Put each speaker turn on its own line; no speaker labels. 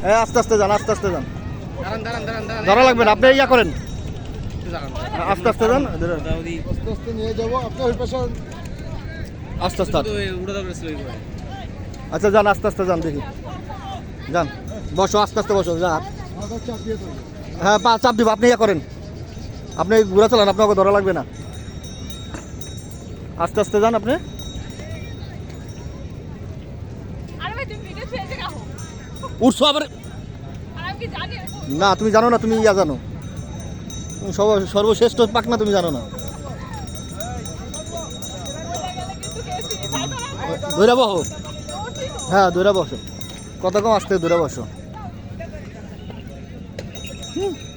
হ্যাঁ আস্তে আস্তে যান, আস্তে আস্তে যান, ধরা লাগবে না, আপনি ইয়া করেন, আস্তে আস্তে যান,
আস্তে আস্তে নিয়ে যাবো আপনি ওই পাশে।
আস্তে আস্তে। আচ্ছা যান, আস্তে আস্তে যান, দেখি যান, বসো, আস্তে আস্তে বসো, যান।
মাথা চাপিয়ে দেবো।
হ্যাঁ পা চাপ দিব, আপনি ইয়া করেন, আপনি ঘুরে চালান, আপনাকে ধরা লাগবে না, আস্তে আস্তে যান আপনি। উঠছো আবার না, তুমি জানো না, তুমি ইয়া জানো, তুমি সর্বশ্রেষ্ঠ পাক না, তুমি জানো না। দৌড়া বসো, হ্যাঁ দৌড়া বসো, কত কম আস্তে দৌড়া বসো।